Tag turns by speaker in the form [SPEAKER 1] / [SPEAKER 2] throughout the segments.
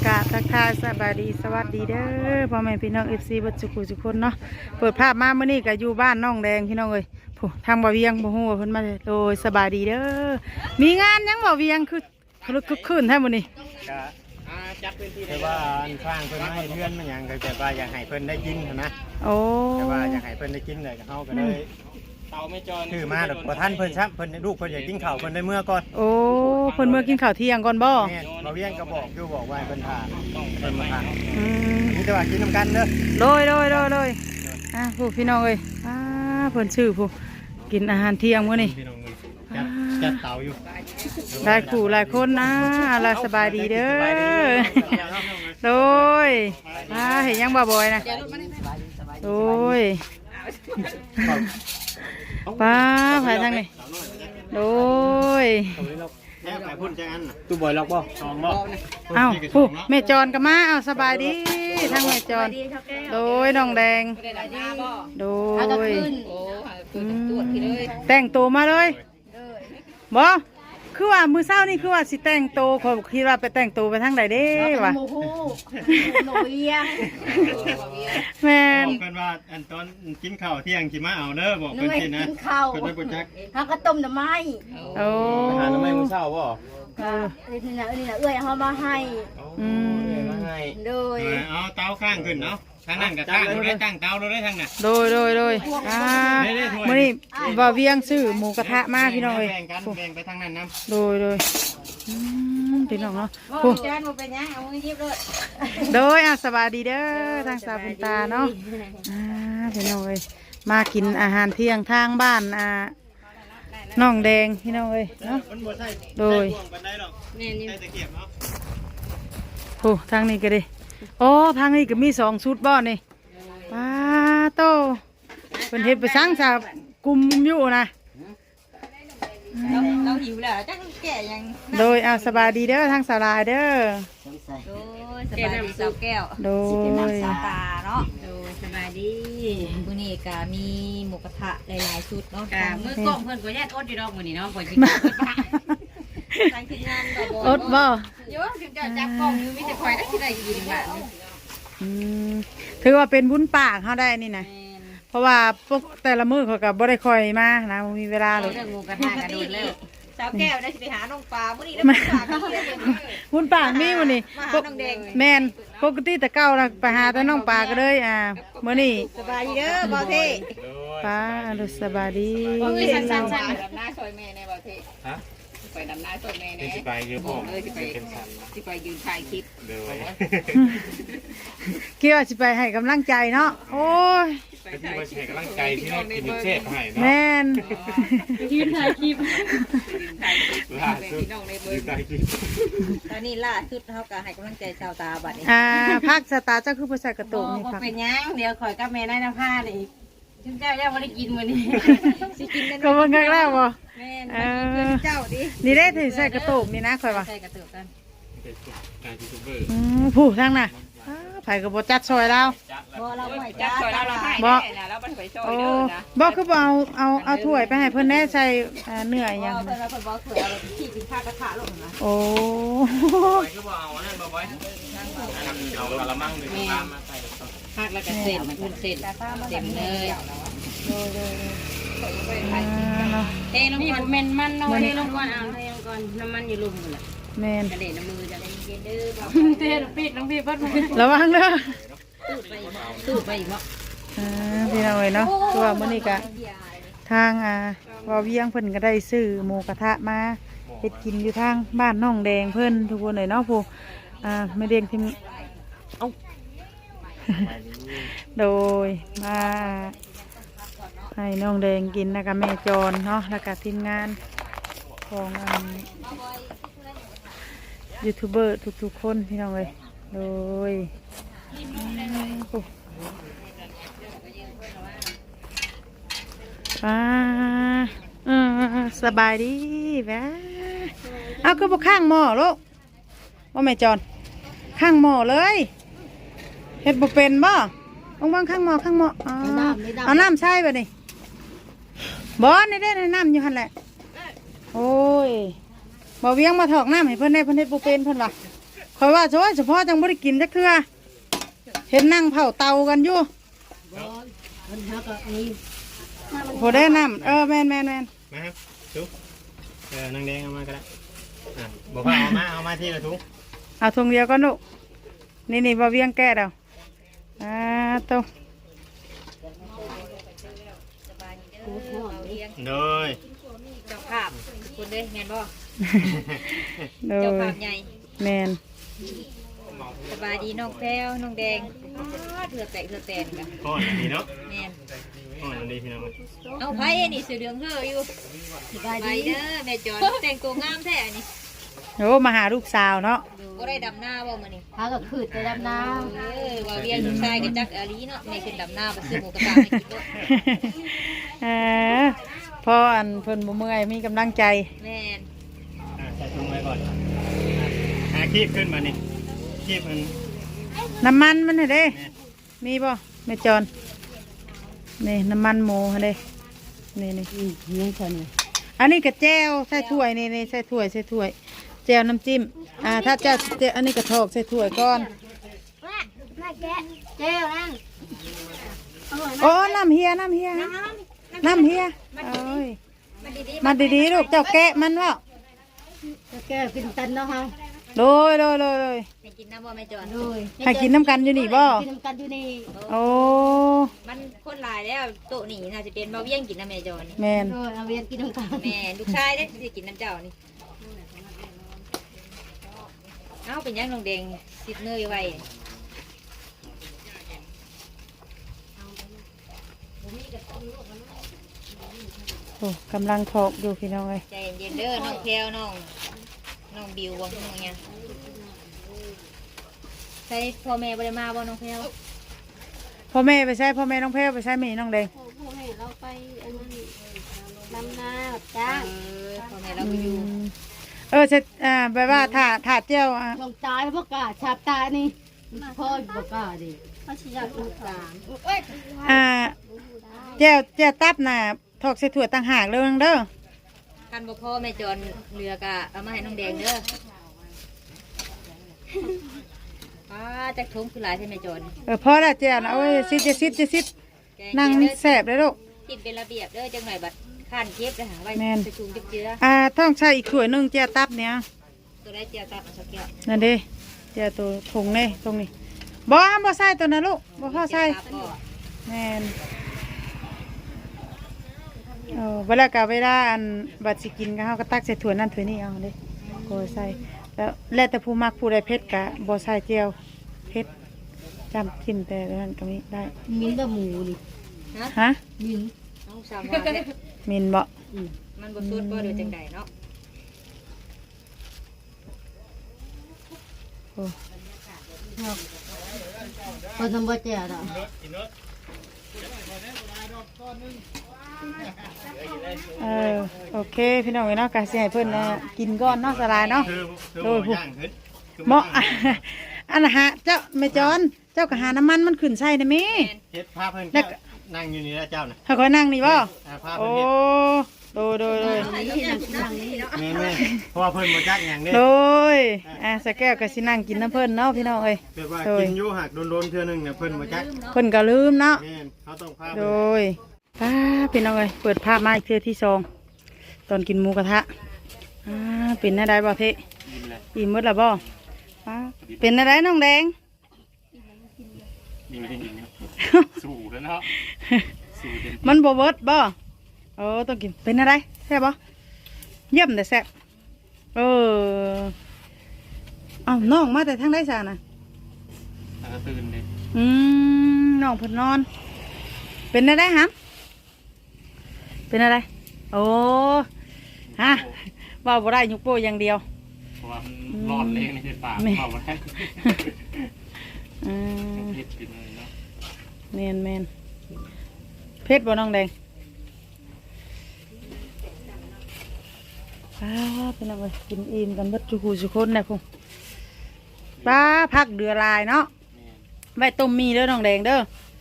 [SPEAKER 1] กะทักทายสบายดีสวัสดีเด้อพ่อแม่พี่น้องFCบัดจุกุทุกคนเนาะเปิดภาพมาเมื่อนี้ก็อยู่บ้านน้องแดงพี่น้องเอ้ยผู้ทางบ่เวียงบ่ฮู้ว่าเพิ่นมาโดยสบายดีเด้อมีงานยังบ่เวียงคือคึกคืนแท้มื้อนี้
[SPEAKER 2] ก็จัดพื้นที่แต่ว่าอันข้างเพิ่นให้เพื่อนมันหยังก็แต่ว่าอยากให้เพิ่นได้กินนะ
[SPEAKER 1] โอ้
[SPEAKER 2] แต่ว่าอยากให้เพิ่นได้กินเลยก็เฮาก็เลยเตาไม่จรคือมาดอกบ่ทันเพิ่นซับเพิ่นลูกเพิ่นอยากกินข้าวเพิ่นได้เมื่อก่อน
[SPEAKER 1] โอ้เพิ่นเมื่อกินข้าวเที่ยงก่อนบ่
[SPEAKER 2] แม่บ่เวียงก็บอกว่าเพิ่นทานเพิ่นมาทานนี่แต่ว่ากินนํกันเด้อ
[SPEAKER 1] โดยผู้พี่น้องเอ้ยเพิ่นชื่อผู้กินอาหารเที่ยงมื้อนี้
[SPEAKER 2] จัดเตาอยู่
[SPEAKER 1] หลายคู่หลายคนนะอะไรสบายดีเด้อโดยเห็นยังบ่บ่อยนะโดยป้าไปทางนี้โดย
[SPEAKER 2] ตู้บอยล็อกบ่สองบ่
[SPEAKER 1] เอ้าผู้แม่จรก็มาเอาสบายดีทางแม่จรโดยน้องแดงโดยแต่งตัวมาเลยบ่คือว่ามือเช้านี่คือว่าสิแต่งโตขอคิดว่าไปแต่งโตไปทางใดเด้วะ
[SPEAKER 3] โมโหโนเวียง
[SPEAKER 1] แม่น
[SPEAKER 2] บอกกันว่าอันตอนกินข้าวเที่ยงสิมาเอาเด้อบอกเพิ่นสินะ
[SPEAKER 3] กินข้าว
[SPEAKER 2] เพิ่นบ่จัก
[SPEAKER 3] หากระต้มน้ำไม้
[SPEAKER 1] โอ้
[SPEAKER 2] หาน้ำไม้มื้อเช้าบ่
[SPEAKER 3] นี่นะเอ้ยเอามาให้
[SPEAKER 2] มาให้
[SPEAKER 3] โดย
[SPEAKER 2] เอาเตาข้างขึ้นเนาะทางนั้นก็ตั้งได้ตั้งเตาได้ทางน่ะ
[SPEAKER 1] โดยมื้อนี้บ่เวียงซื้อหมูกระทะมาพี่น้องเอ้ย
[SPEAKER 2] แบ่งกันแบ่งไปทางนั้นนำ
[SPEAKER 1] โดยพี่น้องเนาะ
[SPEAKER 3] ผู้จานบ่เป็นหยังเอามือหยิบเลย
[SPEAKER 1] โดยสวัสดีเด้อทางสาบุญตาเนาะพี่น้องเอ้ยมากินอาหารเที่ยงทางบ้านน้องแดงพี่น้องเอ้ยเนาะโดยโอ้ทางนี้ก็ดิโอ้ทางนี้ก็มี2ชุดบ่นี่ป้าโตเป็นเฮ็ดไปสร้างสากุมอยู่นะ
[SPEAKER 3] เราหิวแล้วจักแก่ยัง
[SPEAKER 1] โดยสบายดีเด้อทางสาลายเด้อ
[SPEAKER 3] โดยสบายดีสาวแก้ว
[SPEAKER 1] โดย
[SPEAKER 3] สาวตาเนาะโดยสบายดีมื้อนี้ก็มีหมูกระทะหลายๆชุดเนาะมื้อกล้องเพิ่นก็แย่อดอยู่ดอกมื้อนี้เนาะบ่สิกินตั้งทีมงาน
[SPEAKER 1] อดบ่
[SPEAKER 3] เยอะถึงจะจับกล้องอยู่มีแต่คอยได้สิได้กินล่ะ
[SPEAKER 1] ถือว่าเป็นบุญปากเฮาได้นี่นะเพราะว่าพวกแต่ละมื้อเขาก็บ่ได้ค่อยมานะมีเวลาเลย
[SPEAKER 3] เรื่องหมูกระทะกันโดนแล้วสาวแก้วได้สิไปหาน้องปลามื้อนี้ได้ไปหากันเลย
[SPEAKER 1] บุญปากมีมื้อนี้แม่นปกติแต่เก่าน่ะไปหาแต่น้องปลาก็เลยมื้อนี้
[SPEAKER 3] สบายดีเด้อบ่เท่
[SPEAKER 1] ป้าสบายดี
[SPEAKER 3] สั้นๆดำหน้าซอยแม่ในบ่เท่ฮะไปดำน้าซอยแม่แน่
[SPEAKER 2] สิไปอยู่พ่อ
[SPEAKER 3] สิไปยืนถ่ายคลิป
[SPEAKER 2] เด้อ
[SPEAKER 1] คิดว่าสิไปให้กำลังใจเนาะโอ้ย
[SPEAKER 2] ที่มาแชร์กำลังใจที่ได้กินเชฟให้เนาะ
[SPEAKER 1] แม่น
[SPEAKER 3] ยืนถ่ายคลิป
[SPEAKER 2] ล่าสุด
[SPEAKER 3] ตอนนี้ล่าสุดเฮาก็ให้กำลังใจชาวตาบัดนี้
[SPEAKER 1] ภาคสตาเจ้าคือภาษากระตุกนี่
[SPEAKER 3] ครับเป็นยังเดี๋ยวข่อยกับแม่ได้น้ำผ้าเลยชุนเจ้ายังไม่ได้กินมื้อนี้สิกินได้
[SPEAKER 1] ก็เบิ่งครั้งแรกบ่
[SPEAKER 3] แม่นเจ้าดิ
[SPEAKER 1] นี่ได้ถือใส่กระตุกนี่นะข่อยว่า
[SPEAKER 3] ใส่กระตุกกัน
[SPEAKER 1] ผู้ทางน่ะไผก็บ่จัดซอยเรา
[SPEAKER 3] บ่เราไม่จัดซอยเราให้
[SPEAKER 1] บ่
[SPEAKER 3] เราบ่ไปซอยเด้อนะ
[SPEAKER 1] บ่คือบ่เอาถ้วยไปให้เพิ่นแน่ใส่เนื้อหยัง
[SPEAKER 3] เพิ่นบ่ถ้วยเอาขี้กินข้าวกระทะลงนะ
[SPEAKER 1] โอ้
[SPEAKER 2] คือบ่เอานั่นบ่บ่เอากะละมังนึงตามมาใส่
[SPEAKER 3] ผักแล้วก็เส้นมันเส้นเต็มเลยเทลงก่อนแม่นมันเนาะเทลงก่อนเอาเทลงก่อนน้ำมันอยู่ลุ่มหมดละ
[SPEAKER 1] แม่น
[SPEAKER 3] กระเด็นน้ำมือจะได้เย็นเด้อ
[SPEAKER 1] เทน้ำพี่เพิ่นระวังเด้อ
[SPEAKER 3] ตู้ไปอีกเนาะ
[SPEAKER 1] พี่น้องเอ้ยเนาะคือว่ามื้อนี้ก็ทางว่าเวียงเพิ่นก็ได้ซื้อหมูกระทะมาเฮ็ดกินอยู่ทางบ้านน้องแดงเพิ่นทุกคนเลยเนาะผู้แม่เด้งที่โดยมาให้น้องแดงกินแล้วก็แม่จรเนาะแล้วก็ทีมงานของยูทูบเบอร์ทุกๆคนพี่น้องเลยโดยสบายดีแม่เอาคือพวกข้างหม้อลูกว่าแม่จรข้างหม้อเลยเฮ็ดบ่เป็นบ่วางข้างหม้อเอาน้ำใช่ป่ะนี่บ่ได้น้ำอยู่หั่นแหละโอ้ยบ่เวียงมาถอกน้ำให้เพิ่นได้เพิ่นเฮ็ดบ่เป็นเพิ่นว่าคอยว่าเฉพาะจังบ่ได้กินจักเทื่อเห็นนั่งเผาเตากันอยู่พอได้น้ำแม่น
[SPEAKER 2] มาครับทุกนางแดงเอามาก็ได้บอกว่าเอามาที่ละทุก
[SPEAKER 1] เอาถุงเดียวก็นุนี่บ่เวียงแก้เดาโต
[SPEAKER 2] โดย
[SPEAKER 3] เจ้าภาพคุณเด้แม่นบ่
[SPEAKER 1] โด
[SPEAKER 3] เจ้าย ภาพใหญ่
[SPEAKER 1] แม่น
[SPEAKER 3] สบายดีน้องแพรวน้องแดงเถื่อแตกกัน
[SPEAKER 2] ก้อนอันนี้เนาะ
[SPEAKER 3] แม่น
[SPEAKER 2] ก้อนอันนี้พี่น้อง
[SPEAKER 3] เอาไผนี่เสือเหลืองเฮ้ออยู่สบายดีเด้อแม่จอนแต่งตัวงามแท้นี่
[SPEAKER 1] โอ้มาหาลูกสาวเนาะ
[SPEAKER 3] บ่ได้ดำหน้าบ่มื้อนี้
[SPEAKER 4] พาก็ขืดไปดำน้
[SPEAKER 3] ว่าเวียนลูกชายกันจักอาลีเนาะแม่ขึ้นดำหน้าไปซื้อหมูกระทะให้กินด้วย
[SPEAKER 1] พออันเพิ่นบ่เมื่อยมีกำลังใจ
[SPEAKER 3] แม่น
[SPEAKER 2] ใส่ถุงไว้ก่อนคีบขึ้นมานี่คีบมัน
[SPEAKER 1] น้ำมันมันให้เด้มีบ่แม่จอนนี่น้ำมันหมูให้เด้นี่
[SPEAKER 4] ำยังฉันเลย
[SPEAKER 1] อันนี้ก็แจ่วใส่ถ้วยนี่ใส่ถ้วยแจ่วน้ำจิ้มถ้าแจ่วอันนี้ก็ทอกใส่ถ้วยก่อน
[SPEAKER 4] เจ้านั่ง
[SPEAKER 1] โอ้น้ำเฮียโอ้ยมาดีๆลูกเจ้าแกะมันวะ
[SPEAKER 4] แกกินตันเนาะฮะ
[SPEAKER 1] โดย
[SPEAKER 3] ให้กินน้ำบ่แม่จอน
[SPEAKER 1] ให้กินน้ำกันอยู่นี่บ่
[SPEAKER 4] กินกันอยู่นี่
[SPEAKER 1] โอ้
[SPEAKER 3] มันคนหลายแล้วโต๊ะนี่น่าจะเป็นบ่เวียงกินน้ำแม่จอนนี่
[SPEAKER 1] แม่น
[SPEAKER 4] เอาเวียนกินกัน
[SPEAKER 3] แม่ลูกชายเด้สิกินน้ำเจ้านี่เอ้าเป็นยังน้องแดงสิบเนยไว้
[SPEAKER 1] โอ้กำลังทอกอยู่พี่น้องเอ้ย
[SPEAKER 3] ใจเย็นๆเด้อน้องแพรวน้องบิวบ่น้องหยังใช่พ่อแม่บ่ได้มาบ่น้องแพรว
[SPEAKER 1] พ่อแม่ไปใช้พ่อแม่น้องแพรวไปใช้แม่น้องแดง
[SPEAKER 4] พ่อแม่เราไปอันนั้นดำนาจ้าง
[SPEAKER 3] พ่อแม่เราก็อยู่
[SPEAKER 1] เสร็จแบบว่าถาดเจ้า
[SPEAKER 4] ลงตายพวกกาชาบตายนี่พ่อบอกกาดิเขาชี้อยากลูกสาม
[SPEAKER 1] เจ้าตับน่ะทอกใส่ถั่วต่างหากเลยเด้อ
[SPEAKER 3] คันบ่พ่อแม่จอนเรือกะเอามาให้น้องแดงเด้อจักทงคือหลายใช่ไหมจอน
[SPEAKER 1] พอแล้วเจ้านะโอ้ยซิดนั่งแสบเลยลูก
[SPEAKER 3] กินเป็นระเบียบเด้อจังหน่อยบัดข้านเก็บเลยหาไว้
[SPEAKER 1] แม่น
[SPEAKER 3] ไปชุมเจือ
[SPEAKER 1] ต้องใช้อีกถ้วยหนึงเจ้าตับเนี่ย
[SPEAKER 3] ตัวได้เจียวตับสักแก้ว
[SPEAKER 1] นั่นเด้เจ้าตัวถุงนี่ตรงนี้บ่ใส่ตัวนั้นลูกบ่พอใส่
[SPEAKER 3] ตับก็
[SPEAKER 1] แม่นเวลาอันบัดสิกินก็เฮาก็ตักใส่ถ้วยนั่นถ้วยนี้เอาเด้ก็ใส่แล้วแต่ผู้มักผู้ใดเผ็ดก็บ่ใส่เจียวเผ็ดจำจิ้มแต่นั้นก็มีได้
[SPEAKER 4] มิ้นบะหมูนี่
[SPEAKER 1] ฮะ
[SPEAKER 4] มิ้น
[SPEAKER 3] น้องสามว่าเนี่ย
[SPEAKER 1] มินบ่
[SPEAKER 3] มันบ่สุดบ่เดี๋ยวจังใดเนาะ
[SPEAKER 4] คนทำบ่เจ้าดอก
[SPEAKER 1] โอเคพี่น้องเนาะก็สิให้เพิ่นกินก่อนเนาะสลายเนาะ
[SPEAKER 2] คือย่างขึ้น
[SPEAKER 1] เหมาะอันน่ะฮะเจ้าแม่จอนเจ้าก็หาน้ำมันมันขึ้นใส่ได้แม่
[SPEAKER 2] เฮ็ดภาพเพิ่นนั่งอยู่นี่แล้วเจ้าน่ะ
[SPEAKER 1] ถ้าค่อยนั่งนี่บ่
[SPEAKER 2] ภาพ
[SPEAKER 1] โอ้
[SPEAKER 2] เพิ่น
[SPEAKER 1] โดย
[SPEAKER 2] นี่เพราะว่าเพิ่นบ่จักหยังเด้
[SPEAKER 1] โดยสแก้วก็สินั่งกินน้ำเพิ่นเนาะพี่น้องเอ้ย
[SPEAKER 2] แบบว่ากินอยู่หักโดนๆเทื่อนึงเนี่ยเพิ่นบ่จัก
[SPEAKER 1] เพิ่นก็ลืมเนาะ
[SPEAKER 2] แม่นเขาต้องพา
[SPEAKER 1] โดยพี่น้องเอ้ยเปิดภาพมาอีกเทื่อที่2ตอนกินหมูกระทะเป็นอะไรบ่เทอิ่มหมดแล้วบ่เป็นอะไรน้องแดง
[SPEAKER 2] สู้แล้วเนาะสู้เต็ม
[SPEAKER 1] มันบ่เบิดบ่ต้องกินเป็นอะไรแซ่บบ่เยี่ยมแต่แซ่บน้องมาแต่ทางใดซะน่ะ
[SPEAKER 2] ตื่นดิ
[SPEAKER 1] น้องเพิ่นนอน เป็นอะไรฮะเป็นอะไรฮะว่าบ่ได้ยกโป้อย่างเดียว
[SPEAKER 2] เพราะว่ามันร้อนแรงในปากเข้ามาได้เผ็ดกินเลยเนาะ
[SPEAKER 1] แมนเพชรบ่น้องแดงเป็นอะไรกินอิ่มกันเบัดทุกคนนะพุ่งพักเดือลายเนาะใบต้มมีเด้อน้องแดงเด้อ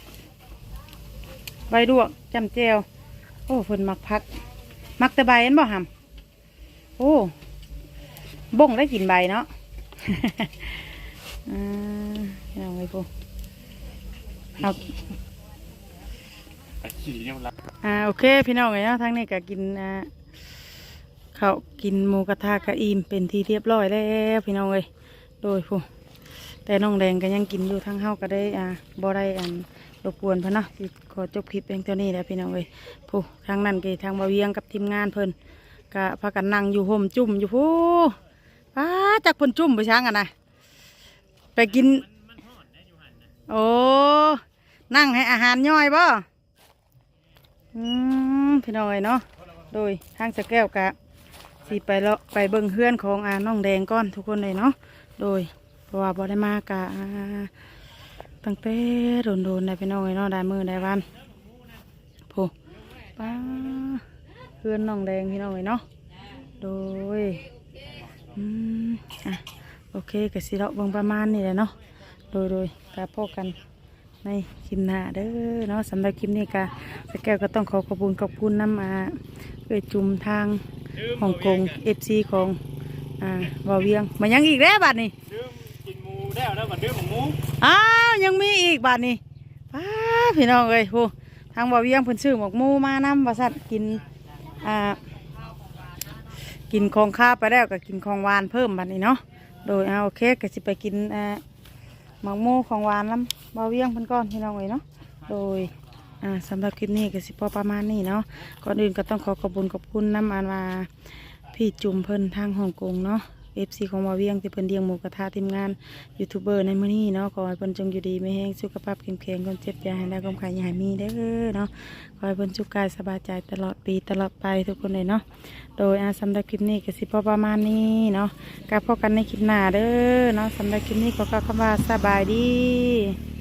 [SPEAKER 1] ใบดวกจำเจียวเพิ่นมักพักมักแต่ใบเห็นบ่หำบ่งได้กินใบเนาะยังไงพูเอาโอเคพี่น้องเนาะทั้งนี้ก็กินเขากินหมูกระทะกะอิ่มเป็นที่เรียบร้อยแล้วพี่น้องเลยโดยพูแต่น้องแดงก็ยังกินอยู่ทั้งเฮาก็ได้บ่ได้รบกวนเพิ่นเนาะที่ขอจบคลิปเพียงเท่านี้แหละพี่น้องเลยพูทางนั้นก็ทางบ่าวเวียงกับทีมงานเพิ่นก็พากันนั่งอยู่ห่มจุ่มอยู่พูจากเพิ่นจุ่มไปช้างกันนะไปกินโอ้นั่งให้อาหารย่อยบ่พี่น้อยเนาะโดยทางสะแก้วกะสิไปเลาะไปเบิ่งเฮือนของน้องแดงก่อนทุกคนเลยเนาะโดยเพราะว่าบ่ได้มากะตั้งแต่โดนได้พี่น้องเลยเนาะได้มือได้วันโผป้าเฮือนน้องแดงพี่น้องเลยเนาะโดยโอเคก็สิเลาะเบิ่งประมาณนี้แหละเนาะโดยกะพบกันในคลิปหน้าเด้อเนาะสำหรับคลิปนี้กะสแก้วก็ต้องขอบคุณน้ำจุ่มทางฮ่องกง FC ของบ่าวเวียงมายังอีกแล้วบัดนี้
[SPEAKER 2] กินหมูแล้วบัดดื่มหมู
[SPEAKER 1] ยังมีอีกบัดนี้พี่น้องเอ้ยโหทางบ่าวเวียงเพิ่นซื้อหมกหมูมานำว่าซั่นกินของข้าวไปแล้วก็กินของหวานเพิ่มบัดนี้เนาะโดยโอเคก็สิไปกินหมกหมูของหวานน้ำบ่าวเวียงเพิ่นก่อนพี่น้องเอ้ยเนาะโดยสำหรับคลิปนี้ก็สิพอประมาณนี้เนาะก่อนอื่นก็ต้องขอบคุณน้ำมาพี่จุ่มเพิ่นทางฮ่องกงเนาะ FC ของบ่าวเวียงที่เพิ่นเลี้ยงหมูกระทะทีมงานยูทูบเบอร์ในมื้อนี้เนาะขอให้เพิ่นจงอยู่ดีไม่แห้งสุขภาพแข็งแรงคนเจ็บอย่าให้ได้ความขายอย่าให้มีเด้อเนาะขอให้เพิ่นสุขกายสบายใจตลอดปีตลอดไปทุกคนเลยเนาะโดยสำหรับคลิปนี้ก็สิพอประมาณนี้เนาะกลับพบกันในคลิปหน้าเด้อเนาะสำหรับคลิปนี้ขอกล่าวคำว่าสบายดี